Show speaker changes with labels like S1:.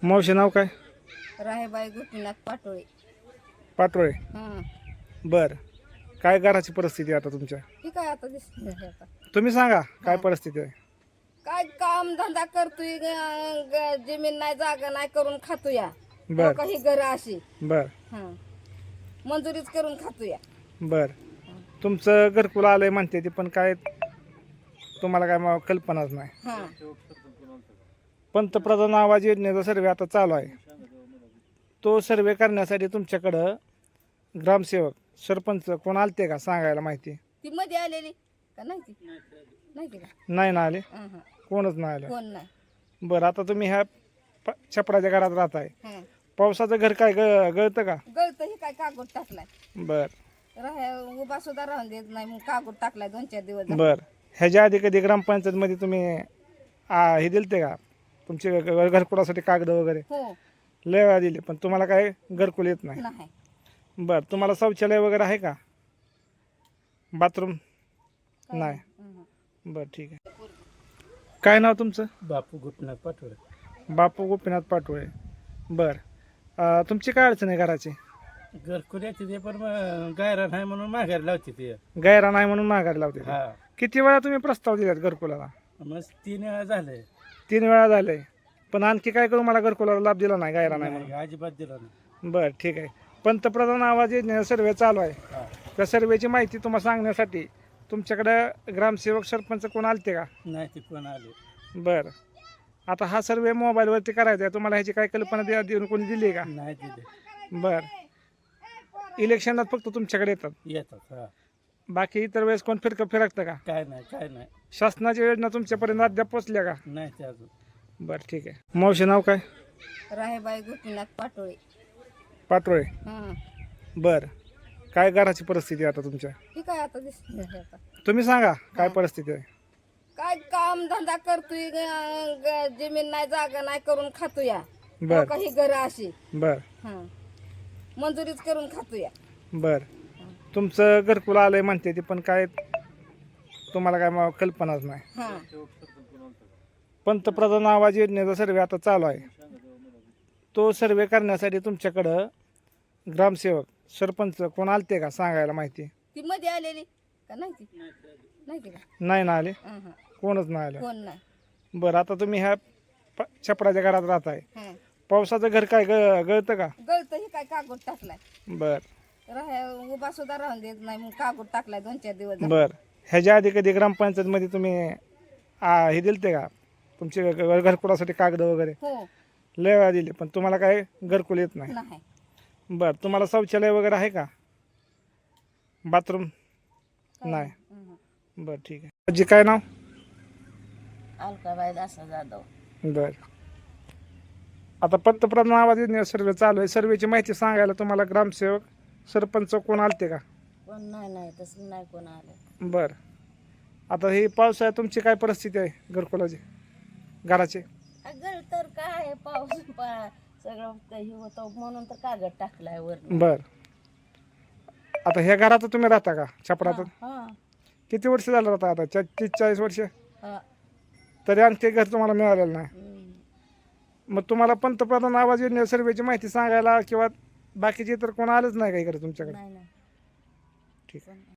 S1: मावशी नाव काय?
S2: राहेबाई गोपीनाथ पाटोळे.
S1: पाटोळे.
S2: हं.
S1: बर. काय घराची परिस्थिती आहे आता तुमच्या?
S2: ठीक आहे आता दिसत आता.
S1: तुम्ही सांगा काय परिस्थिती आहे?
S2: काय काम धंदा करतोय जमीन नाही जागा नाही करून खातोया.
S1: बर
S2: काही घर अशी
S1: बर
S2: हं. मंजुरीच करून खातोया.
S1: बर. तुमचं घरकुल आलंय म्हणते ती, पण काय तुम्हाला काय कल्पनाच नाही.
S2: हा
S1: पंतप्रधान आवाज योजनेचा सर्वे आता चालू आहे. तो सर्वे करण्यासाठी तुमच्याकडं ग्रामसेवक सरपंच कोण आलते का सांगायला माहिती?
S2: ती मध्ये आलेली का नाही ती नाही ती का
S1: नाही ना आले?
S2: हं, हं.
S1: कोणच नाही आलं.
S2: कोण नाही.
S1: बरं, आता तुम्ही ह्या छपराच्या घरात राहताय.
S2: हं.
S1: पावसाचं घर काय गळतं का?
S2: गळत ही काय कागद टाकलाय.
S1: बर
S2: उभा सुद्धा राहून देत नाही मग कागद टाकलाय 2-4 दिवस झाले.
S1: बर. ह्याच्या आधी कधी ग्रामपंचायतमध्ये तुम्ही हे दिलते का तुमचे घरकुलासाठी कागद वगैरे?
S2: हो
S1: लय वेळा दिले, पण तुम्हाला काय घरकुल येत नाही.
S2: नाही.
S1: बर. तुम्हाला शौचालय वगैरे आहे का? बाथरूम नाही?
S2: हं.
S1: बर, ठीक आहे. काय नाव तुमचं?
S3: बापू गोपीनाथ पाटोळे.
S1: बापू गोपीनाथ पाटोळे. बर. तुमची काय अडचण आहे घराची?
S3: घरकुल येते ते पण गायरा नाही म्हणून माघारी लावते ते.
S1: गैरा नाही म्हणून माघारी लावते.
S3: हा
S1: किती वेळा तुम्ही प्रस्ताव दिलात घरकुलाला?
S3: मग 3 वेळा झाले.
S1: 3 वेळा झाले, पण आणखी काय करू मला घरकुलाला लाभ दिला नाही गैरा नाही म्हणून?
S3: अजिबात दिला नाही.
S1: बर, ठीक आहे. पंतप्रधान आवाज योजनेचा सर्वे चालू आहे.
S3: हा.
S1: त्या सर्वेची माहिती तुम्हाला सांगण्यासाठी तुमच्याकडे ग्रामसेवक सरपंच कोण आलते का?
S3: नाही ते कोण आले.
S1: बर. आता हा सर्वे मोबाईलवरती करायचा आहे. तुम्हाला ह्याची काय कल्पना देऊन कोणी दिली आहे का?
S3: नाही दिले.
S1: बर. इलेक्शनात फक्त तुमच्याकडे येतात,
S3: येतात. हा
S1: बाकी इतर वेळेस कोण फिरकतं का?
S3: काय नाही काय नाही.
S1: शासनाच्या योजना तुमच्यापर्यंत अद्याप पोचल्या का?
S3: नाही ते अजून.
S1: बरं, ठीक आहे. मावशी नाव काय?
S2: राहेबाई गोपीनाथ पाटोळे.
S1: पाटोळे.
S2: हं.
S1: बर. काय घराची परिस्थिती आहे आता तुमच्या?
S2: ठीक आहे आता दिसत आता.
S1: तुम्ही सांगा काय परिस्थिती आहे?
S2: काय काम धंदा करतोय जमीन नाही जागा नाही करून खातोया.
S1: बर
S2: काही घर अशी
S1: बर
S2: हं. मंजुरीच करून खातोया.
S1: बर. तुमचं घरकुल आलंय म्हणते ती, पण काय तुम्हाला काय कल्पनाच नाही.
S2: हा
S1: पंतप्रधान आवाज योजनेचा सर्वे आता चालू आहे. तो सर्वे करण्यासाठी तुमच्याकडं ग्रामसेवक सरपंच कोण आलते का सांगायला माहिती?
S2: ती मध्ये आलेली का नाही ती नाही ती का
S1: नाही ना आले?
S2: हं, हं.
S1: कोणच नाही आलं.
S2: कोण नाही.
S1: बरं, आता तुम्ही ह्या छपराच्या घरात राहताय.
S2: हं.
S1: पावसाचं घर काय गळतं का?
S2: गळत ही काय कागद टाकलाय.
S1: बर
S2: उभा सुद्धा राहून देत नाही मग कागद टाकलाय 2-4 दिवस झाले.
S1: बर. ह्याच्या आधी कधी ग्रामपंचायतमध्ये तुम्ही हे दिलते का तुमचे घरकुलासाठी कागद वगैरे?
S2: हो
S1: लय वेळा दिले, पण तुम्हाला काय घरकुल येत नाही.
S2: नाही.
S1: बर. तुम्हाला शौचालय वगैरे आहे का? बाथरूम नाही?
S2: हं.
S1: बर, ठीक आहे. आजी काय नाव?
S2: अलकाबाई दासा जाधव.
S1: बर. आता पंतप्रधान आवाज योजनेचा सर्वे चालू आहे. सर्वेची माहिती सांगायला तुम्हाला ग्रामसेवक सरपंच कोण आलते का?
S2: कोण नाही तसं नाही कोण आलं.
S1: बर. आता ही पावसाळ्यात तुमची काय परिस्थिती आहे घरकुलाची घराची?
S2: घर तर काय पाऊस सगळं काही होतं म्हणून तर कागद टाकलाय वर.
S1: बर. आता ह्या घरात तुम्ही राहता का छपरातून?
S2: हा
S1: किती वर्ष झालं राहता? आता 30-40 वर्ष,
S2: हा.
S1: तरी आणखी घर तुम्हाला मिळालेलं नाही.
S2: हं.
S1: मग तुम्हाला पंतप्रधान आवाज योजने सर्वेची माहिती सांगायला किंवा बाकीचे तर कोण आलंच नाही का इकडे तुमच्याकडे?
S2: नाही
S1: ठीक आहे.